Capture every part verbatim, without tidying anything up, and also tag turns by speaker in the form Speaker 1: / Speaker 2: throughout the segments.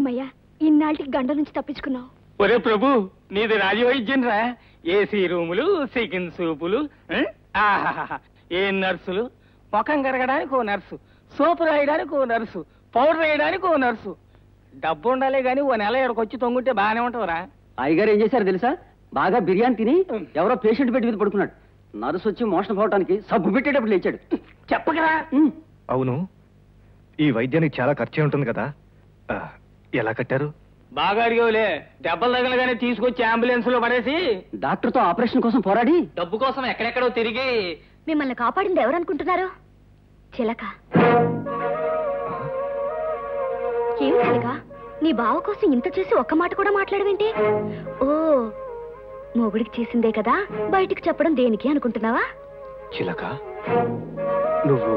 Speaker 1: అమ్మయ్యా, ఇన్నాళ్ళకి గండ నుంచి తప్పించుకున్నావు.
Speaker 2: ఒరే ప్రభు, నీది రాజవైద్యం రా. ఏసీ రూములు, చికెన్ సూపులు, ఏ నర్సులు, ముఖం కరగడానికి ఓ నర్సు, సోపు రాయడానికి ఓ నర్సు, పౌడర్ వేయడానికి ఓ నర్సు. డబ్బు ఉండాలే గాని ఓ నెల ఎక్కడికి వచ్చి తొంగుంటే బాగానే ఉంటావురా.
Speaker 3: అయ్యగారు ఏం చేశారు తెలుసా? బాగా బిర్యానీ తిని ఎవరో పేషెంట్ బెడ్ మీద పడుకున్నాడు. నర్సు వచ్చి మోషన్ పోవడానికి సబ్బు పెట్టేటప్పుడు లేచాడు.
Speaker 2: చెప్పకరా.
Speaker 4: అవును, ఈ వైద్యానికి చాలా ఖర్చే ఉంటుంది కదా, ఎలా కట్టారు?
Speaker 2: బాగా అడిగేవులే. దెబ్బలు తగలగానే తీసుకొచ్చి అంబులెన్స్ లో పడేసి
Speaker 3: డాక్టర్ తో ఆపరేషన్ కోసం పోరాడి
Speaker 2: డబ్బు కోసం ఎక్కడెక్కడో తిరిగి
Speaker 1: మిమ్మల్ని కాపాడింది ఎవరనుకుంటున్నారు? చిలక. ఏమి చిలక, నీ బావ కోసం ఇంత చేసి ఒక్క మాట కూడా మాట్లాడవేంటి? ఓ, మొగుడికి చేసిందే కదా, బయటికి చెప్పడం దేనికి అనుకుంటున్నావా?
Speaker 4: చిలక, నువ్వు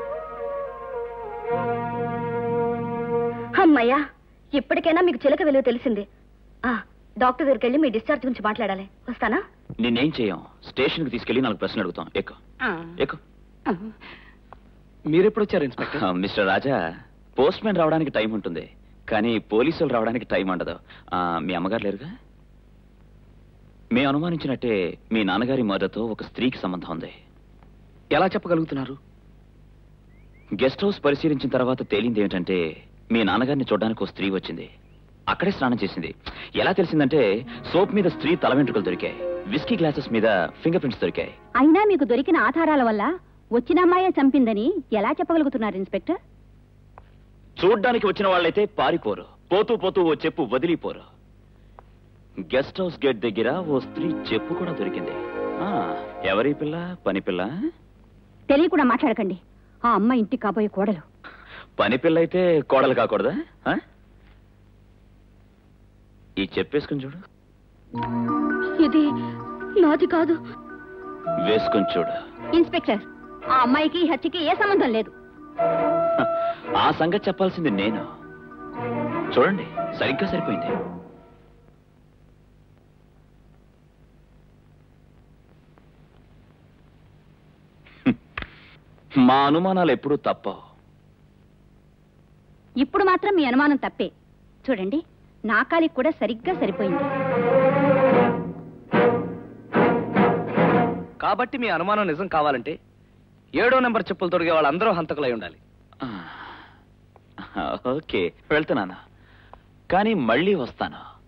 Speaker 1: అమ్మయ్యా, ఇప్పటికైనా మీకు చిలక విలువ తెలిసింది. ఆ డాక్టర్ దగ్గరికి వెళ్ళి మీ డిశ్చార్జ్ గురించి మాట్లాడాలి. వస్తానా?
Speaker 5: నేనేం చేయం, స్టేషన్ కి తీసుకెళ్లి నాలుగు ప్రశ్నలు అడుగుతాం. ఎక్కు ఎక్కు.
Speaker 3: మీరెప్పుడు వచ్చారు inspector?
Speaker 5: Mister Raja, postman రావడానికి టైం ఉంటుంది, కానీ పోలీసులు రావడానికి టైం ఉండదు. మీ అమ్మగారు లేరుగా? మేము అనుమానించినట్టే మీ నాన్నగారి మర్డర్తో ఒక స్త్రీకి సంబంధం ఉంది.
Speaker 3: ఎలా చెప్పగలుగుతున్నారు?
Speaker 5: గెస్ట్ హౌస్ పరిశీలించిన తర్వాత తేలింది ఏమిటంటే మీ నాన్నగారిని చూడడానికి ఒక స్త్రీ వచ్చింది, అక్కడే స్నానం చేసింది. ఎలా తెలిసిందంటే సోప్ మీద స్త్రీ తల వెంట్రుకలు దొరికాయి, విస్కీ గ్లాసెస్ మీద ఫింగర్ ప్రింట్స్ దొరికాయి.
Speaker 6: అయినా మీకు దొరికిన ఆధారాల వల్ల వచ్చిన అమ్మాయే చంపిందని ఎలా చెప్పగలుగుతున్నారు ఇన్స్పెక్టర్?
Speaker 5: చూడ్డానికి వచ్చిన వాళ్ళైతే పారిపోరు, పోతూ పోతూ ఓ చెప్పు వదిలిపోరు. గెస్ట్ హౌస్ గేట్ దగ్గర ఓ స్త్రీ చెప్పు కూడా దొరికింది. ఎవరి పిల్ల? పని పిల్ల?
Speaker 6: తెలియకుండా మాట్లాడకండి. ఆ అమ్మ ఇంటికి కాబోయే కోడలు.
Speaker 5: పని పిల్ల అయితే కోడలు కాకూడదా? ఈ చెప్పేసుకుని చూడు.
Speaker 1: ఇది నాది కాదు.
Speaker 5: వేసుకుని చూడు.
Speaker 6: ఇన్స్పెక్టర్, ఆ అమ్మాయికి హత్యకి ఏ సంబంధం లేదు.
Speaker 5: ఆ సంగతి చెప్పాల్సింది నేను. చూడండి, సరిగ్గా సరిపోయింది. మా అనుమానాలు ఎప్పుడూ తప్పవు.
Speaker 6: ఇప్పుడు మాత్రం మీ అనుమానం తప్పే. చూడండి, నా కాలికి కూడా సరిగ్గా సరిపోయింది.
Speaker 3: కాబట్టి మీ అనుమానం నిజం కావాలంటే ఏడో నెంబర్ చెప్పులు తొడిగే వాళ్ళందరూ హంతకులై ఉండాలి.
Speaker 5: ఓకే, వెళ్తున్నాను, కానీ మళ్ళీ వస్తాను.